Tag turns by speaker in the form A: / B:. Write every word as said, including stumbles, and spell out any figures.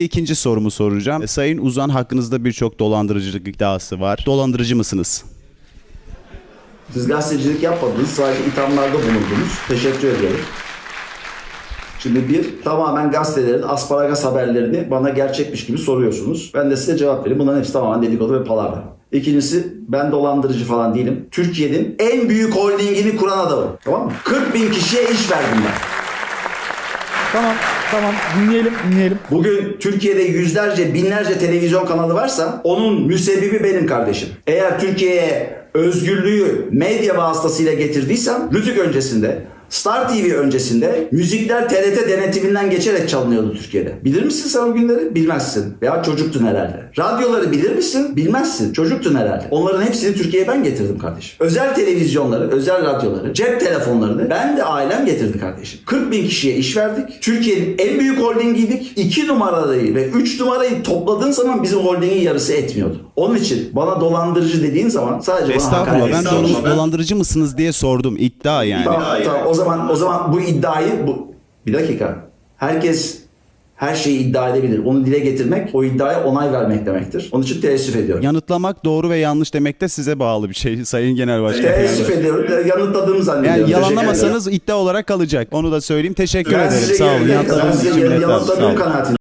A: İkinci sorumu soracağım. Sayın Uzan, hakkınızda birçok dolandırıcılık iddiası var. Dolandırıcı mısınız?
B: Siz gazetecilik yapmadınız, sadece ithamlarda bulundunuz. Teşekkür ediyorum. Şimdi bir, tamamen gazetelerin asparagas haberlerini bana gerçekmiş gibi soruyorsunuz. Ben de size cevap vereyim. Bunların hepsi tamamen dedikodu ve palavra. İkincisi, ben dolandırıcı falan değilim. Türkiye'nin en büyük holdingini kuran adamım. Tamam mı? kırk bin kişiye iş verdim ben.
C: Tamam, tamam. Dinleyelim, dinleyelim.
B: Bugün Türkiye'de yüzlerce, binlerce televizyon kanalı varsa onun müsebbibi benim kardeşim. Eğer Türkiye'ye özgürlüğü medya vasıtasıyla getirdiysem, Rütük öncesinde, Star T V öncesinde müzikler T R T denetiminden geçerek çalınıyordu Türkiye'de. Bilir misin sen o günleri? Bilmezsin. Veya çocuktun herhalde. Radyoları bilir misin? Bilmezsin. Çocuktun herhalde. Onların hepsini Türkiye'ye ben getirdim kardeşim. Özel televizyonları, özel radyoları, cep telefonlarını ben de ailem getirdi kardeşim. kırk bin kişiye iş verdik. Türkiye'nin en büyük holdingiydik. iki numarayı ve üç numarayı topladığın zaman bizim holdingin yarısı etmiyordu. Onun için bana dolandırıcı dediğin zaman sadece bana
A: Estağfurullah,
B: hakaret
A: ben
B: ediyorsun.
A: dol- dolandırıcı mısınız diye sordum. İddia yani.
B: Tamam, tamam. O zaman o zaman bu iddiayı bu bir dakika. Herkes her şeyi iddia edebilir. Onu dile getirmek, o iddiaya onay vermek demektir. Onun için teessüf ediyorum.
A: Yanıtlamak doğru ve yanlış demek de size bağlı bir şey Sayın Genel Başkan.
B: Teessüf ediyorum. Yanıtladığımı zannediyorum.
A: Yani
B: Teşekkür
A: yalanlamasanız
B: ederim.
A: iddia olarak kalacak. Onu da söyleyeyim. Teşekkür
B: Ben
A: ederim.
B: size
A: Sağ olun.
B: ben
A: Yanıtladığınız
B: size
A: için minnettarım. Sağ
B: yanıtladığım
A: olun.
B: kanaatindeyim.